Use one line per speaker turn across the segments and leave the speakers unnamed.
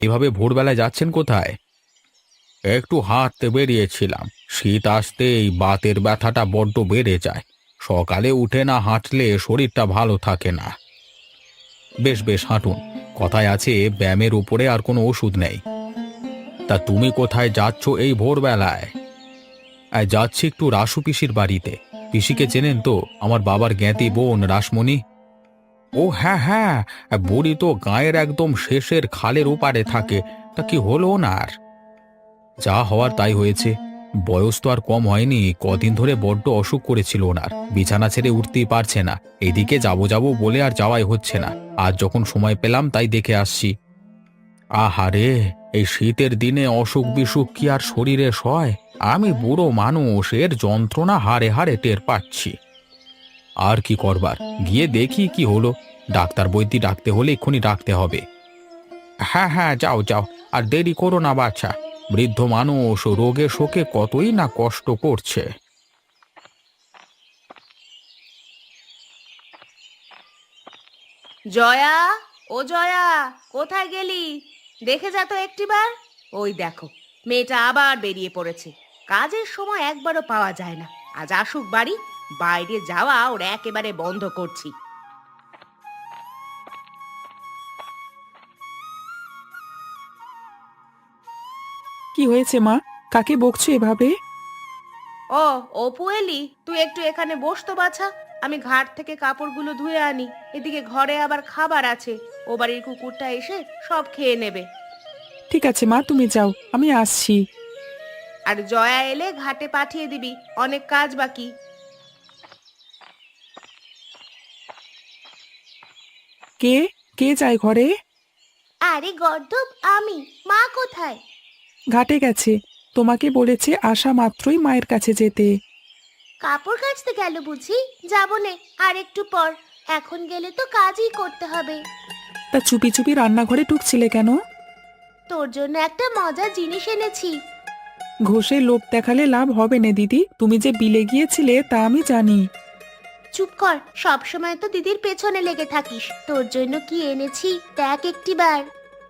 এভাবে ভোরবেলায় যাচ্ছেন কোথায়? একটু হাঁটতে বেরিয়েছিলাম। শীত আসতে এই বাতের ব্যথাটা বড্ড বেড়ে যায়। সকালে উঠে না হাঁটলে শরীরটা ভালো থাকে না। বেশ বেশ হাঁটুন। কথায় আছে ব্যায়ামের উপরে আর কোনো ওষুধ নেই। তা তুমি কোথায় যাচ্ছ এই ভোরবেলায়? যাচ্ছি একটু রাসু পিসির বাড়িতে। পিসিকে চেনেন তো, আমার বাবার জ্ঞাতি বোন রাসমণি। ও হ্যাঁ হ্যাঁ, বুড়ি তো গাঁয়ের একদম শেষের খালের ওপারে থাকে। তা কি হলো ওনার? যা হওয়ার তাই হয়েছে। বয়স তো আর কম হয়নি, কদিন ধরে বড্ড অসুখ করেছিল ওনার, বিছানা ছেড়ে উঠতেই পারছে না। এদিকে যাবো যাবো বলে আর যাওয়াই হচ্ছে না। আজ যখন সময় পেলাম তাই দেখে আসছি। আহারে, এই শীতের দিনে অসুখ বিসুখ কি আর শরীরে সয়? আমি বুড়ো মানুষ, এর যন্ত্রণা হাড়ে হাড়ে টের পাচ্ছি। আর কি করবার, গিয়ে দেখি কি হলো। ডাক্তার বৈদ্যি ডাকতে হলে এক্ষুনি ডাকতে হবে। হ্যাঁ হ্যাঁ, যাও যাও, আর দেরি করো না বাছা। বৃদ্ধ মানুষ রোগে শোকে কতই না কষ্ট করছে।
জয়া, ও জয়া, কোথায় গেলি? দেখে যা তো একটিবার। ওই দেখো, মেয়েটা আবার বেরিয়ে পড়েছে। কাজের সময় একবারও পাওয়া যায় না। আজ আসুক বাড়ি, বাইরে যাওয়া ওর একেবারে বন্ধ করছি।
কি হয়েছে মা? কাকে বকছো এভাবে?
ও, অপু এলি? তুই একটু এখানে বস তো বাছা। আমি ঘাট থেকে কাপড়গুলো ধুয়ে আনি। এদিকে ঘরে আবার খাবার আছে। ও বাড়ির কুকুরটা এসে সব খেয়ে নেবে।
ঠিক আছে মা, তুমি যাও, আমি আসছি।
আর জয়া এলে ঘাটে পাঠিয়ে দিবি, অনেক কাজ বাকি।
কে কে যায় ঘরে?
আরে গর্দব, আমি। মা কোথায়?
ঘাটে গেছে। তোমাকে বলেছে আসা মাত্রই মায়ের কাছে যেতে।
কাপড় কাচতে গেল বুঝি? যাবো নে, আর একটু পর। এখন গেলে তো কাজই করতে হবে।
তা চুপি চুপি রান্নাঘরে ঢুকছিলে কেন?
তোর জন্য একটা মজার জিনিস এনেছি।
ঘষে লোভ দেখালে লাভ হবে না দিদি, তুমি যে বিলে গিয়েছিলে তা আমি জানি।
চুপ কর, সব সময় তো দিদির পেছনে লেগে থাকিস। তোর জন্য কি এনেছি দেখ একটিবার।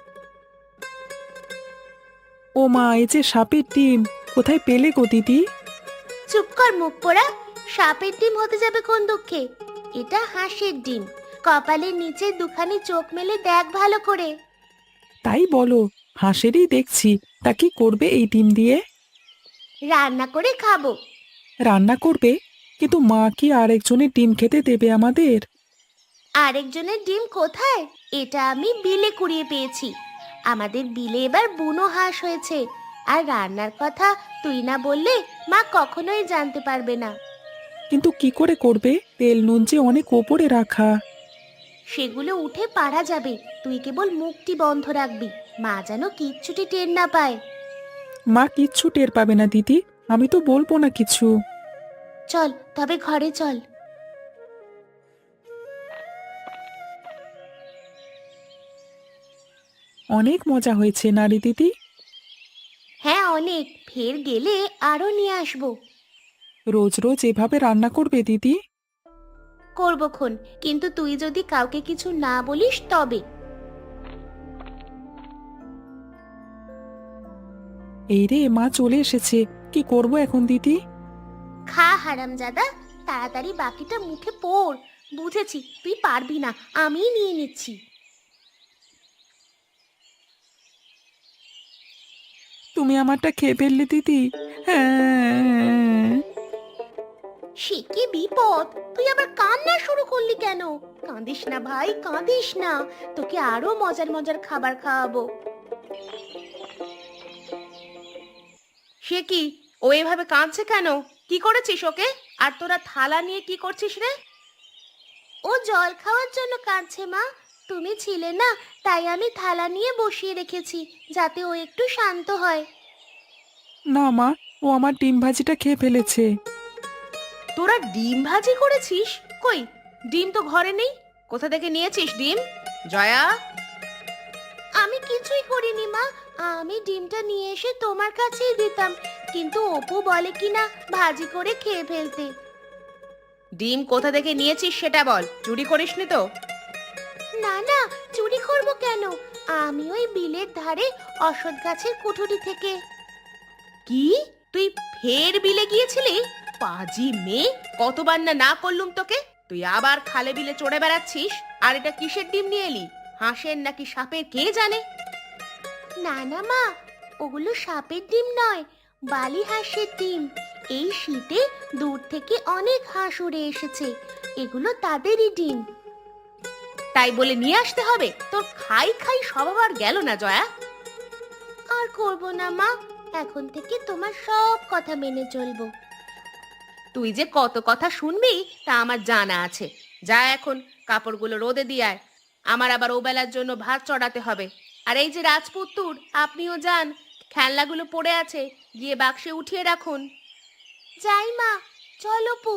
ও মা, এই যে সাপের ডিম, কোথায় পেলে গো দিদি?
চুপ কর মুখ পোড়া। সাপের ডিম হতে যাবে কোন দুঃখে? এটা হাঁসের ডিম। কপালের নিচে দুখানি চোখ মেলে দেখ ভালো করে।
তাই বলো? হাঁসেরই দেখছি। তা কি করবে এই ডিম দিয়ে?
রান্না করে খাবো।
রান্না করবে? কিন্তু মা কি আরেকজনের ডিম খেতে দেবে আমাদের?
আরেকজনের ডিম কোথায়? এটা আমি বিলে কুড়িয়ে পেয়েছি। আমাদের বিলে এবার বুনো হাঁস হয়েছে। আর রান্নার কথা তুই না বললে মা কখনোই জানতে পারবে না।
কিন্তু কি করে করবে? তেল নুন যে অনেক ওপরে রাখা।
সেগুলো উঠে পারা যাবে। তুই কেবল মুখটি বন্ধ রাখবি, মা যেন কিচ্ছুটি টের না পায়।
মা কিচ্ছু টের পাবে না দিদি, আমি তো বলবো না কিছু।
চল তবে ঘরে চল।
অনেক মজা হয়েছে নারী দিদি।
হ্যাঁ অনেক, ফের গেলে আরো নিয়ে আসবো।
রোজ রোজ এভাবে রান্না করবে দিদি?
করবো খন, কিন্তু তুই যদি কাউকে কিছু না বলিস তবে।
এই রে, মা চলে এসেছে। কি করব এখন দিদি?
খা হারামজাদা, তাড়াতাড়ি বাকিটা মুখে পড়। বুঝেছি তুই পারবি না, আমিই নিয়ে নিচ্ছি।
তুমি আমারটা খেয়ে ফেললে দিদি। হ্যাঁ।
সে কি বিপদ! তুই আবার কান্না শুরু করলি কেন? কাঁদিস না ভাই, কাঁদিস না। তোকে আরো মজার মজার খাবার খাওয়াবো। সে কি, ও এভাবে কাঁদছে কেন? কি করেছিস ওকে? আর তোরা থালা নিয়ে কি করছিস রে? ও জল খাওয়ার জন্য কাঁদছে মা। তুমি ছিলে না, তাই আমি থালা নিয়ে বসিয়ে রেখেছি, যাতে ও একটু শান্ত হয়।
না মা, ও আমার ডিম ভাজিটা খেয়ে ফেলেছে।
তোরা ডিম ভাজি করেছিস? কই, ডিম তো ঘরে নেই। কোথা থেকে নিয়েছিস ডিম? জয়া, আমি কিছুই করিনি মা। আমি ডিমটা নিয়ে এসে তোমার কাছেই দিতাম, কিন্তু অপু বলে কিনা ভাজি করে খেয়ে ফেলতে। ডিম কোথা থেকে নিয়েছিস সেটা বল, চুরি করিসনি তো? না না, চুরি করব কেন? আমি ওই বিলের ধারে অশ্বত্থ গাছের কুঠুরি থেকে। কি, তুই ফের বিলে গিয়েছিলি? পাজি মেয়ে, কতবার না না করলুম তোকে, তুই আবার খালে বিলে চড়ে বেড়াচ্ছিস। আর এটা কিসের ডিম নিয়ে এলি? হাঁসের নাকি সাপের কে জানে? না না মা, ওগুলো সাপের ডিম নয়, বালি হাঁসের ডিম। এই শীতে দূর থেকে অনেক হাঁস উড়ে এসেছে, এগুলো তাদেরই ডিম। তাই বলে নিয়ে আসতে হবে? তোর খাই খাই স্বভাব আর গেল না জয়া। আর করব না মা, এখন থেকে তোমার সব কথা মেনে চলবো। তুই যে কত কথা শুনবি তা আমার জানা আছে। যা এখন কাপড়গুলো রোদে দিয়ে আয়, আমার আবার ওবেলার জন্য ভাত চড়াতে হবে। আর এই যে রাজপুত্তুর, আপনিও যান, খেলনাগুলো পড়ে আছে, গিয়ে বাক্সে উঠিয়ে রাখুন। যাই মা, চলো পু।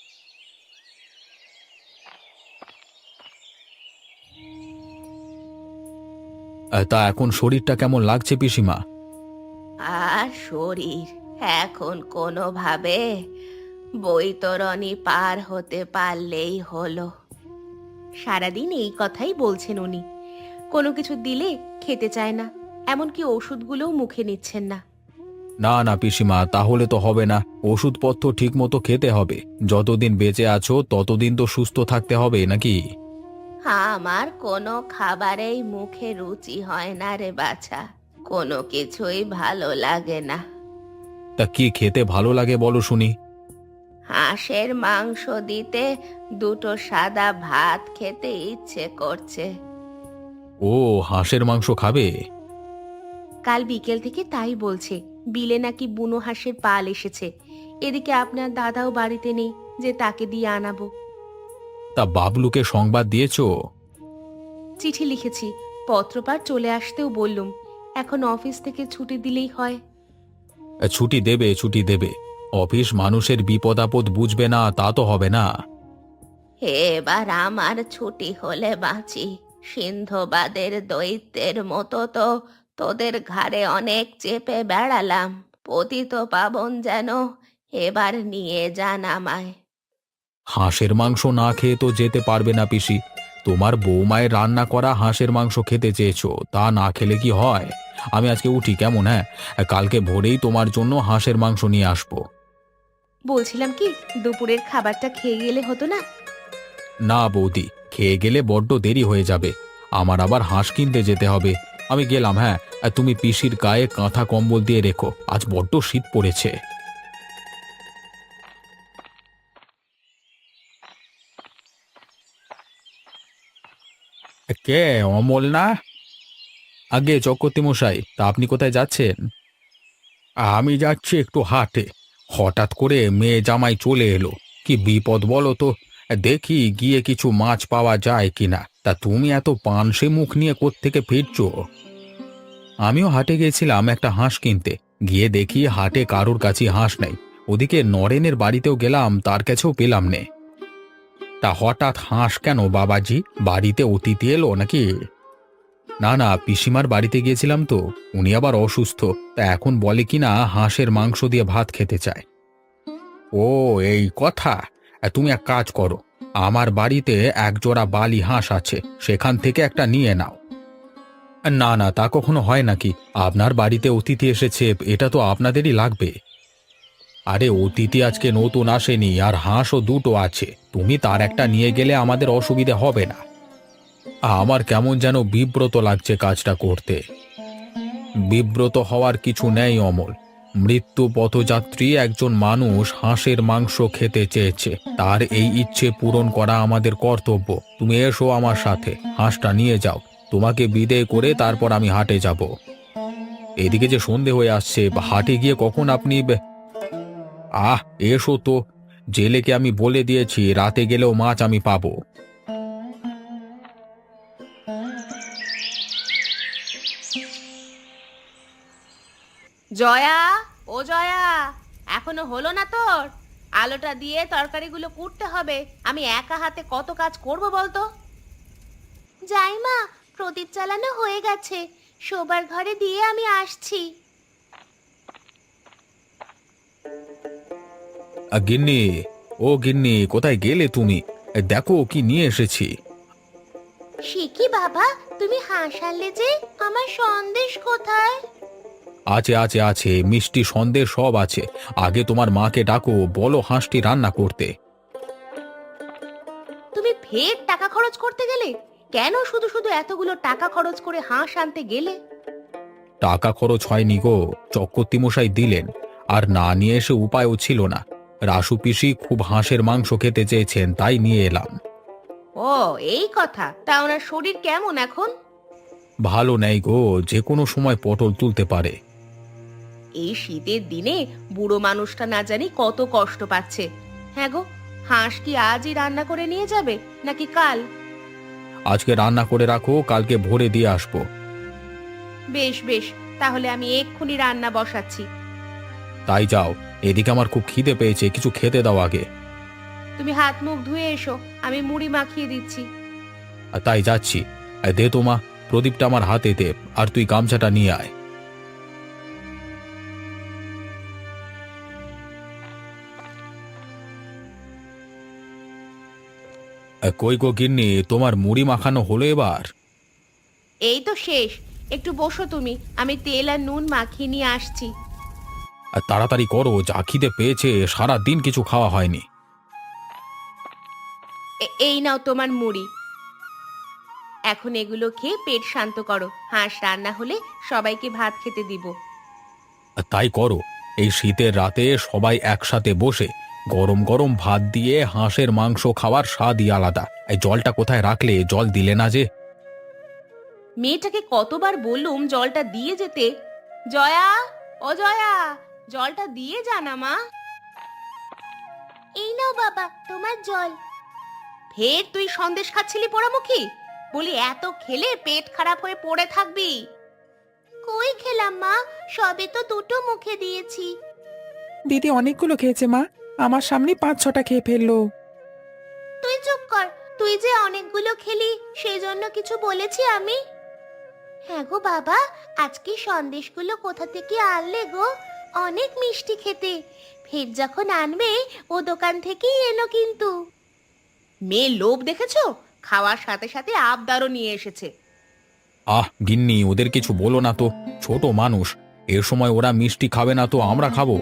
তা এখন শরীরটা কেমন লাগছে পিসিমা?
আর শরীর এখন কোনোভাবে বৈতরণী পার হতে পারলেই হলো। সারাদিন এই কথাই বলছেন উনি। কোনো কিছু দিলে খেতে চায় না, এমনকি ওষুধগুলোও মুখে নিচ্ছেন না।
না না পিসিমা, তাহলে তো হবে না। ওষুধপত্র ঠিক মতো খেতে হবে। যতদিন বেঁচে আছো ততদিন তো সুস্থ থাকতে হবে নাকি?
আমার কোনো খাবারেই মুখে রুচি হয় না রে বাছা, কোনো কিছুই ভালো লাগে না।
তা কি খেতে ভালো লাগে বলো শুনি?
হাঁসের মাংস দিতে দুটো সাদা ভাত খেতে ইচ্ছে করছে।
ও, হাঁসের মাংস খাবে?
কাল বিকেল থেকে তাই বলছে। বিলে নাকি বুনো হাঁসের পাল এসেছে। এদিকে আপনার দাদাও বাড়িতে নেই যে তাকে দিয়ে আনাবো।
তা বাবলুকে সংবাদ দিয়েছো?
চিঠি লিখেছি, পত্রপাঠ চলে আসতেও বললুম। এখন অফিস থেকে ছুটি দিলেই হয়।
ছুটি দেবে, ছুটি দেবে। অফিস মানুষের বিপদ আপদ বুঝবে না তা তো হবে না।
এবার আমার ছুটি হলে বাঁচি। সিন্ধবাদের দৈত্যের মতো তো তোদের ঘাড়ে অনেক চেপে বেড়ালাম। পতিত পাবন যেন এবার নিয়ে যান আমায়।
হাঁসের মাংস না খেয়ে তো যেতে পারবে না পিসি। তোমার বৌমায়ের রান্না করা হাঁসের মাংস খেতে চেয়েছো, তা না খেলে কি হয়? আমি আজকে উঠি কেমন? হ্যাঁ, কালকে ভোরেই তোমার জন্য হাঁসের মাংস নিয়ে আসবো।
বলছিলাম কি, দুপুরের খাবারটা খেয়ে গেলে হতো না?
না বৌদি, খেয়ে গেলে বড্ড দেরি হয়ে যাবে। আমার আবার হাঁস কিনতে যেতে হবে। আমি গেলাম, হ্যাঁ। আর তুমি পিসির গায়ে কাঁথা কম্বল দিয়ে রেখো, আজ বড্ড শীত পড়েছে। কে, অমল না? আগে চক্রবর্তী মশাই, তা আপনি কোথায় যাচ্ছেন? আমি যাচ্ছি একটু হাটে। হঠাৎ করে মেয়ে জামাই চলে এলো, কি বিপদ বলো তো। দেখি গিয়ে কিছু মাছ পাওয়া যায় কিনা। তা তুমি এত পানসে মুখ নিয়ে কোত্থেকে ফিরছো? আমিও হাটে গেছিলাম একটা হাঁস কিনতে, গিয়ে দেখি হাটে কারোর কাছে হাঁস নেই। ওদিকে নরেনের বাড়িতেও গেলাম, তার কাছেও পেলাম নে। তা হঠাৎ হাঁস কেন বাবাজি? বাড়িতে অতিথি এলো নাকি? না না, পিসিমার বাড়িতে গিয়েছিলাম তো, উনি আবার অসুস্থ। তা এখন বলে কিনা হাঁসের মাংস দিয়ে ভাত খেতে চায়। ও, এই কথা। তুমি এক কাজ করো, আমার বাড়িতে এক জোড়া বালি হাঁস আছে, সেখান থেকে একটা নিয়ে নাও। না না, তা কখনো হয় নাকি? আপনার বাড়িতে অতিথি এসেছে, এটা তো আপনাদেরই লাগবে। আরে অতিথি আজকে নতুন আসেনি, আর হাঁসও দুটো আছে, তুমি তার একটা নিয়ে গেলে আমাদের অসুবিধে হবে না। আমার কেমন যেন বিব্রত লাগছে কাজটা করতে। বিব্রত হওয়ার কিছু নেই অমল। মৃত্যু পথযাত্রী একজন মানুষ হাঁসের মাংস খেতে চেয়েছে, তার এই ইচ্ছে পূরণ করা আমাদের কর্তব্য। তুমি এসো আমার সাথে, হাঁসটা নিয়ে যাও। তোমাকে বিদেয় করে তারপর আমি হাটে যাব। এদিকে যে সন্ধে হয়ে আসছে, হাটে গিয়ে কখন আপনি এসো তো। জেলেকে আমি বলে দিয়েছি রাতে গেলেও মাছ আমি পাবো।
জয়া, ও জয়া, এখনো হলো না তোর? আলোটা দিয়ে তরকারিগুলো কুটতে হবে। আমি একা হাতে কত কাজ করব বলতো? যাই মা, প্রদীপ জ্বালানো হয়ে গেছে, শোবার ঘরে দিয়ে আমি আসছি।
গিন্নি, ও গিন্নি, কোথায় গেলে তুমি? দেখো কি নিয়ে এসেছি।
সে কি বাবা, তুমি হাসালে যে, আমার সন্দেশ কোথায়?
আছে আছে আছে, মিষ্টি সন্দেশ সব আছে। আগে তোমার মাকে ডাকো, বলো হাঁসটি রান্না করতে।
তুমি ফের টাকা খরচ করতে গেলে? কেন শুধু শুধু এতগুলো টাকা খরচ করে হাঁস আনতে গেলে?
টাকা খরচ হয়নি গো, চক্রবর্তী মশাই দিলেন। আর না নিয়ে এসে উপায়ও ছিল না। রাসু পিসি খুব হাঁসের মাংস খেতে চেয়েছেন, তাই নিয়ে এলাম।
ও, এই কথা। তা ওনার শরীর কেমন এখন?
ভালো নেই গো, যে কোনো সময় পটল তুলতে পারে।
এই শীতের দিনে বুড়ো মানুষটা না জানি কত কষ্ট পাচ্ছে। হ্যাঁ গো, হাঁস কি আজই রান্না করে নিয়ে যাবে নাকি কাল?
আজকে রান্না করে রাখো, কালকে ভোরে দিয়ে আসবো।
বেশ বেশ, তাহলে আমি এক্ষুনি রান্না বসাচ্ছি।
তাই যাও, এদিকে আমার খুব খিদে পেয়েছে, কিছু খেতে দাও আগে।
তুমি হাত মুখ ধুয়ে এসো, আমি মুড়ি মাখিয়ে দিচ্ছি।
আর তাই যাচ্ছি। দে তো মা, প্রদীপটা আমার হাতে দে, আর তুই গামছাটা নিয়ে আয়। কই গো গিন্নি, তোমার মুড়ি মাখানো হলো এবার?
এই তো শেষ। একটু বসো তুমি, আমি তেল আর নুন মাখিয়ে নিয়ে আসছি।
আর তাড়াতাড়ি করো, যা খিদে পেয়েছে, সারা দিন কিছু খাওয়া হয়নি।
এই নাও তোমার মুড়ি। এখন এগুলো খেয়ে পেট শান্ত করো। হাঁস রান্না হলে সবাইকে ভাত খেতে দিব।
আর তাই করো। এই শীতের রাতে সবাই একসাথে বসে গরম গরম ভাত দিয়ে হাঁসের মাংস খাওয়ার স্বাদই আলাদা। এই জলটা কোথায় রাখলে? জল দিলে না যে।
মেয়েটাকে কতবার বললুম জলটা দিয়ে যেতে। জয়া, ও জয়া, জলটা দিয়ে যা না মা। এই নাও বাবা তোমার জল। ফের তুই সন্দেশ খাচ্ছিলি পোড়ামুখী? বলি এত খেলে পেট খারাপ হয়ে পড়ে থাকবি। কই খেলাম মা, সবে তো দুটো মুখে দিয়েছি।
দিদি অনেকগুলো খেয়েছে মা, আমার সামনে 5-6টা খেয়ে ফেললো।
তুই চুপ কর। তুই যে অনেকগুলো খেলি, সেই জন্য কিছু বলেছি আমি? হ্যাঁ গো বাবা, আজকে সন্দেশগুলো কোথা থেকে আনলে গো? অনেক মিষ্টি খেতে। ফের যখন আনবে ও দোকান থেকেই এনো কিন্তু। মেয়ে লোভ দেখেছো? খাওয়ার সাথে সাথে আবদারও নিয়ে এসেছে।
গিন্নি, ওদের কিছু বলো না তো, ছোট মানুষ। এ সময় ওরা মিষ্টি খাবে না তো আমরা খাবো?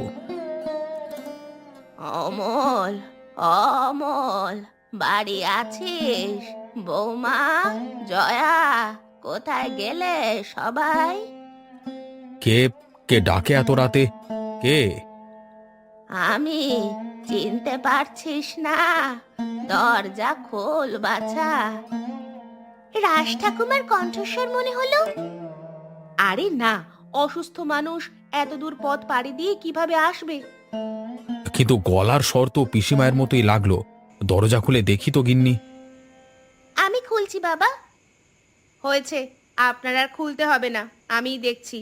অমল, অমল, বাড়ি আছিস? বৌমা, জয়া, কোথায় গেলে সবাই?
কে? কে ডাকে এত রাতে? কে?
আমি, চিনতে পারছিস না? দরজা খোল বাছা। রাজ ঠাকুমার কণ্ঠস্বর মনে হলো। আরে না, অসুস্থ মানুষ এত দূর পথ পাড়ি দিয়ে কিভাবে আসবে?
কিন্তু গলার স্বর তো পিসিমায়ের মতোই লাগলো। দরজা খুলে দেখি তো গিন্নি।
আমি খুলছি বাবা। হয়েছে, আপনার আর খুলতে হবে না, আমিই দেখছি।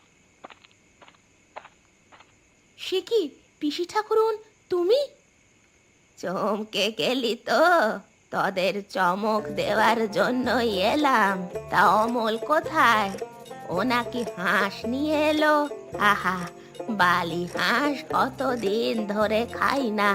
সে কি, পিসি ঠাকুরুন, তুমি? চমকে গেলি তো? তোদের চমক দেওয়ার জন্যই এলাম। তা অমল কোথায়? ও নাকি হাঁস নিয়ে এলো। আহা, বালি হাঁস কতদিন ধরে খাই না।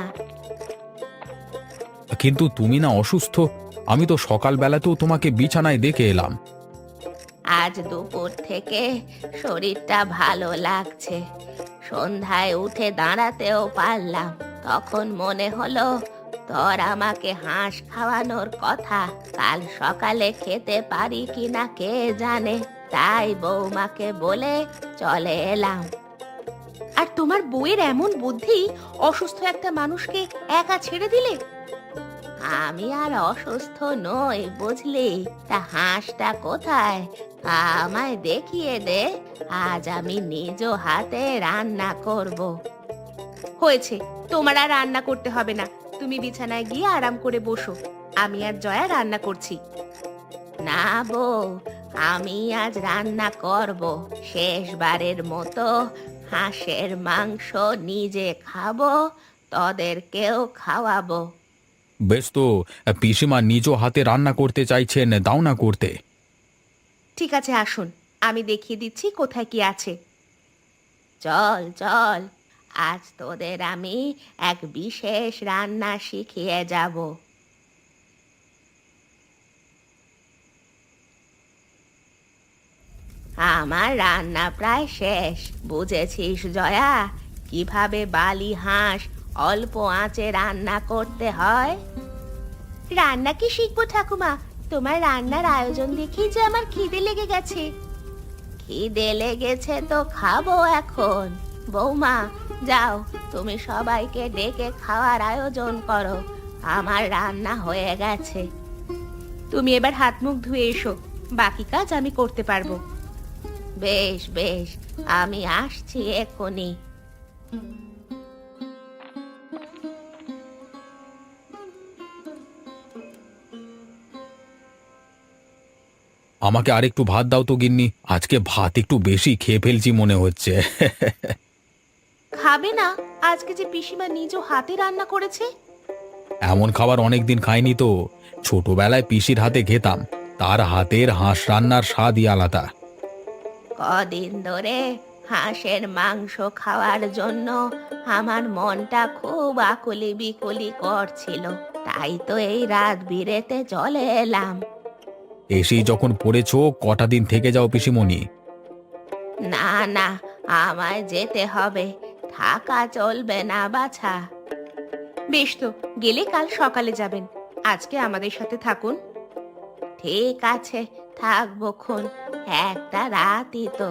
কিন্তু তুমি না অসুস্থ? আমি তো সকালবেলাতেও তোমাকে বিছানায় দেখে এলাম।
আজ দুপুর থেকে শরীরটা ভালো লাগছে। সন্ধ্যায় উঠে দাঁড়াতেও পারলাম। তখন মনে হলো তোর আমাকে হাঁস খাওয়ানোর কথা। কাল সকালে খেতে পারি কিনা কে জানে। তাই বৌমাকে বলে চলে এলাম। আর তোমার বউয়ের এমন বুদ্ধি, অসুস্থ একটা মানুষকে একা ছেড়ে দিলে। আমি আর অসুস্থ নই বুঝলি। তা হাঁসটা কোথায়? আমায় দেখিয়ে দে, আজ আমি নিজ হাতে রান্না করব। হয়েছে, তোমার আর রান্না করতে হবে না। তুমি বিছানায় গিয়ে আরাম করে বসো, আমি আর জয়া রান্না করছি। না বউ, আমি আজ রান্না করব। শেষবারের মতো হাঁসের মাংস নিজে খাবো, তোদেরকেও খাওয়াবো।
বেশ তো, পিসিমা নিজ হাতে রান্না করতে চাইছেন, দাও না করতে।
ঠিক আছে, আসুন, আমি দেখিয়ে দিচ্ছি কোথায় কি আছে। চল চল, আজ তোদের আমি এক বিশেষ রান্না শিখিয়ে যাব। আমার রান্না প্রায় শেষ, বুঝেছিস জয়া কিভাবে বালি হাঁস অল্প আঁচে রান্না করতে হয়? রান্না কি শিখবো ঠাকুমা, তোমার রান্নার আয়োজন দেখেই যে আমার খিদে লেগে গেছে। খিদে লেগেছে তো খাবো এখন। বৌমা যাও, তুমি সবাইকে ডেকে খাওয়ার আয়োজন করো, আমার রান্না হয়ে গেছে। তুমি এবার হাত মুখ ধুয়ে এসো, বাকি কাজ আমি করতে পারবো। বেশ বেশ, আমি আসছি এক্ষুনি।
আমাকে আরেকটু ভাত দাও তো গিন্নি, আজকে ভাত একটু বেশি খেয়ে ফেলছি মনে হচ্ছে।
খাবে না? আজকে যে পিসিমা নিজ হাতে রান্না করেছে।
এমন খাবার অনেকদিন খাইনি তো। ছোটবেলায় পিসির হাতে খেতাম, তার হাতের হাঁস রান্নার স্বাদই আলাদা।
কদিন ধরে হাঁসের মাংস খাওয়ার জন্য আমার মনটা খুব আকুলি বিকুলি করছিল, তাই তো এই রাত বিরেতে চলে এলাম।
এসেই যখন পড়েছো, কটা দিন থেকে যাও পিসিমণি।
না না, আমায় যেতে হবে, থাকা চলবে না বাছা। বেশ তো, গেলে কাল সকালে যাবেন, আজকে আমাদের সাথে থাকুন। ঠিক আছে, থাকবো খন, একটা রাতই তো।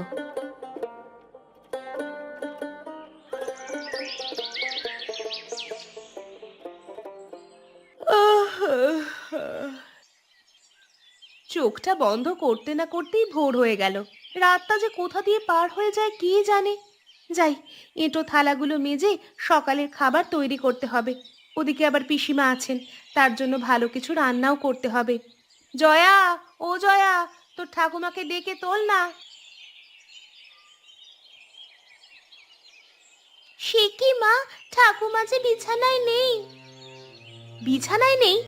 চোখটা বন্ধ করতে না করতেই ভোর হয়ে গেল। রাতটা যে কোথা দিয়ে পার হয়ে যায় কে জানে। যাই, এঁটো থালাগুলো মেজে সকালের খাবার তৈরি করতে হবে। ওদিকে আবার পিসিমা আছেন, তার জন্য ভালো কিছু রান্নাও করতে হবে। জয়া, ও জয়া, তোর ঠাকুমাকে ডেকে তোল না। সে কি মা, ঠাকুমা যে বিছানায় নেই। বিছানায় নেই?